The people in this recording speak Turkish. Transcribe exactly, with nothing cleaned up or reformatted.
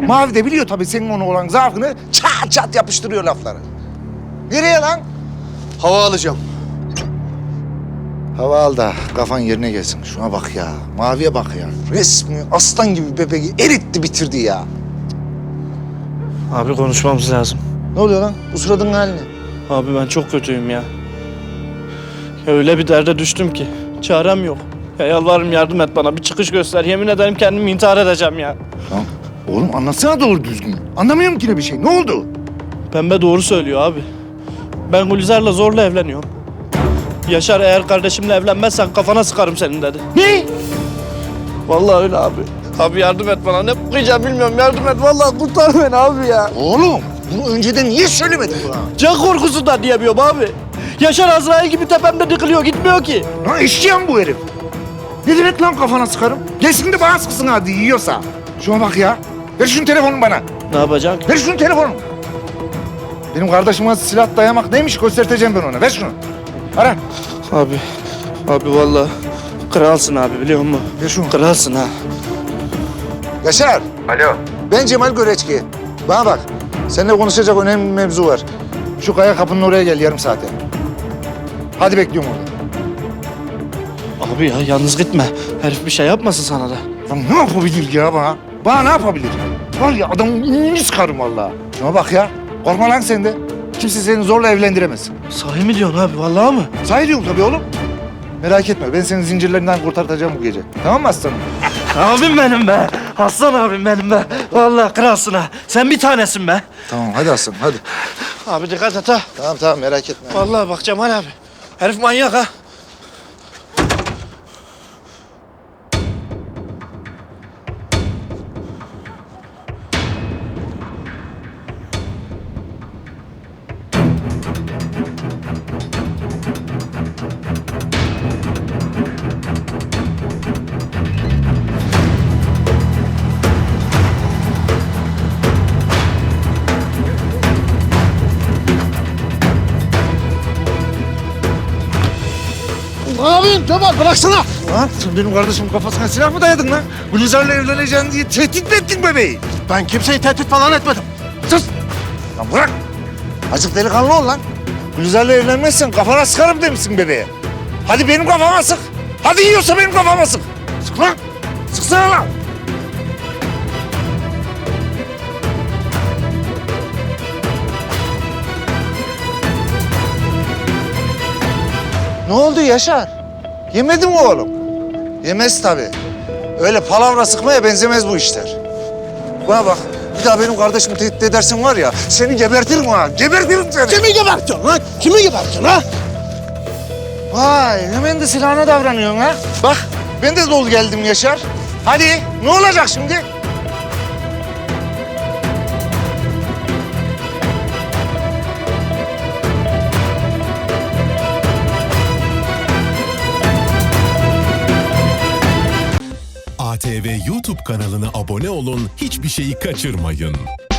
Mavi de biliyor tabii senin ona olan zaafını, çat çat yapıştırıyor lafları. Nereye lan? Hava alacağım. Hava al da kafan yerine gelsin. Şuna bak ya, Mavi'ye bak ya. Resmi aslan gibi bebeği eritti bitirdi ya. Abi konuşmamız lazım. Ne oluyor lan? Bu suratın haline. Abi ben çok kötüyüm ya. Ya öyle bir derde düştüm ki. Çarem yok. Ya yalvarırım yardım et bana. Bir çıkış göster. Yemin ederim kendimi intihar edeceğim ya. Lan oğlum anlatsana doğru düzgün. Anlamıyorum ki ne bir şey. Ne oldu? Pembe doğru söylüyor abi. Ben Gülizar'la zorla evleniyorum. Yaşar eğer kardeşimle evlenmezsen kafana sıkarım senin dedi. Ne? Vallahi öyle abi. Abi yardım et bana. Ne okuyacağım bilmiyorum. Yardım et. Vallahi kurtar beni abi ya. Oğlum bunu önceden niye söylemedin bana? Can korkusundan diyemiyorum abi. Yaşar Azrail gibi tepemde dikiliyor. Gitmiyor ki. Lan eşeğim bu herif. Ne demek lan kafana sıkarım? Gelsin de bana sıksın hadi yiyorsa. Şuna bak ya. Ver şunun telefonunu bana. Ne yapacaksın? Ver şunun telefonunu. Benim kardeşime silah dayamak neymiş göstereceğim ben ona. Ver şunu. Ara. Abi. Abi vallahi kralsın abi biliyor musun? Ver şunu. Kralsın ha. Yaşar. Alo. Ben Cemal Göreçki. Bana bak. Seninle konuşacak önemli bir mevzu var. Şu kaya kapının oraya gel yarım saate. Hadi bekliyorum orada. Abi ya yalnız gitme. Herif bir şey yapmasın sana da. Lan ne yapabilir ya bana? Bana ne yapabilir? Var ya adamın ününü sıkarım vallahi. Şuna bak ya. Korkma lan sen de. Kimse seni zorla evlendiremez. Sahi mi diyorsun abi vallahi mı? Sahi diyorum tabii oğlum. Merak etme ben seni zincirlerinden kurtartacağım bu gece. Tamam mı aslanım? Abim benim be. Aslan abim benim be. Vallahi kralsın ha. Sen bir tanesin be. Tamam hadi aslanım hadi. Abi dikkat et ha. Tamam tamam merak etme. Vallahi bak Cemal abi. Herif manyak ha. Ne yapıyorsun Cemal? Bıraksana. Lan sen benim kardeşimin kafasına silah mı dayadın lan? Gülizar'la evleneceksin diye tehdit mi ettin bebeği? Ben kimseyi tehdit falan etmedim. Sus! Lan bırak! Azıcık delikanlı ol lan. Gülizar'la evlenmezsen kafana sıkarım demişsin bebeğe. Hadi benim kafama sık. Hadi yiyorsa benim kafama sık. Sık lan! Sıksana lan! Ne oldu Yaşar? Yemedi mi oğlum? Yemez tabii. Öyle palavra sıkmaya benzemez bu işler. Bana bak, bir daha benim kardeşimi tehdit edersin var ya, seni gebertirim ha, gebertirim seni. Kimi gebertiyorsun lan? Kimi gebertiyorsun ha? Vay, hemen de silahına davranıyorsun ha. Bak, ben de dolu geldim Yaşar. Hadi, ne olacak şimdi? A T V YouTube kanalına abone olun, hiçbir şeyi kaçırmayın.